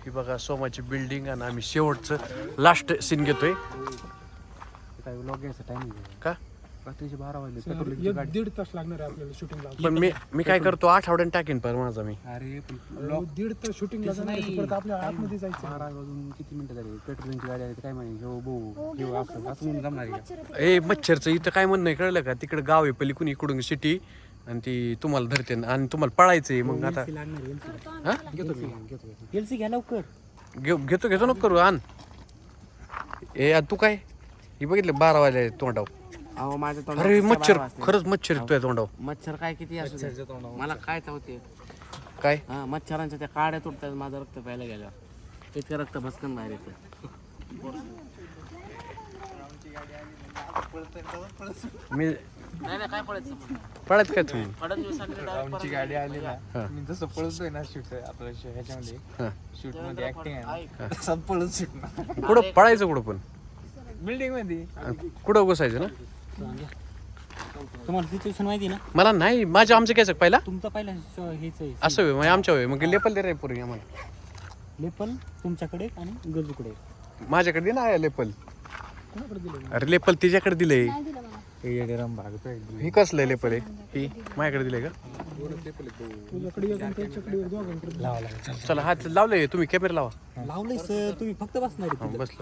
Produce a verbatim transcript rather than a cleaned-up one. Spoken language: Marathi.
ही बघा सोमाची बिल्डिंग आणि आम्ही शेवटचं लास्ट सीन घेतोय काय व्लॉग घ्यायचा टाइमिंग का रात्रीचे बारा वाजले पेट्रोल एक दीड तास लागणार आहे आपल्याला शूटिंगला. पण मी मी काय करतो आठवड्यानं टाकेन पर माझा मी अरे पण अहो, दीड तास शूटिंगला जाणार आहे, परत आपल्या आतमध्ये जायचं. बारा वाजून किती मिनिटं झाली पेट्रोलची गाडी आली काय माहिती हो भाऊ घेऊ असं असं म्हणून जमणार आहे. ए मच्छरचं इथं काय म्हणणं आहे कळलं का तिकडे गाव आहे पली कुणी इकडून सिटी आणि ती तुम्हाला धरते आणि तुम्हाला पळायचंय मग आता हा घेतो मी घेतो एल सी घ्या लवकर घेऊ घेतो घेतो नको करू आण ए आ, तू काय हे बघितलं बारा वाजले तोंडाव अहो माझ्या अरे मच्छर खरंच मच्छर तुझ्या तोंडाव मच्छर काय किती असू दे. मला काय चावते काय हा मच्छरांच्या त्या काड्या तुटतात माझं रक्त प्यायला गेल्यावर इतकं रक्त भसकन बाहेर येतं. मी नाही नाही काय पडायचं पळत काय तुम्ही पडत मी सगळे आमची गाडी आली हा. ना मी जसं पळतोय ना शूट आपल्या ह्याच्यामध्ये हा. शूट मध्ये ऍक्टिंग आहे ना तसं पळत सुटणार कुठं पळायचं कुठं पण बिल्डिंग मध्ये कुठं बसायचं ना तुम्हाला सिच्युएशन माहिती ना मला नाही माझ्या आमचं घ्यायचं पहिला तुमचं पहिला हेच आहे असं होय म्हणजे आमच्या होय मग लेपल दे रे पूर्वी आम्हाला लेपल तुमच्याकडे आणि गरजूकडे माझ्याकडे दे ना लेपल अरे लेपल तिच्याकडे दिलंय ही कसलं लेपल आहे ही माझ्याकडे दिलंय का तुझ्याकडे एक आणि त्याच्याकडे एक, दोघांकडे. चला हात लावलंय तुम्ही कॅमेरा लावा लावलंय सर तुम्ही फक्त बसणार हा, बसलो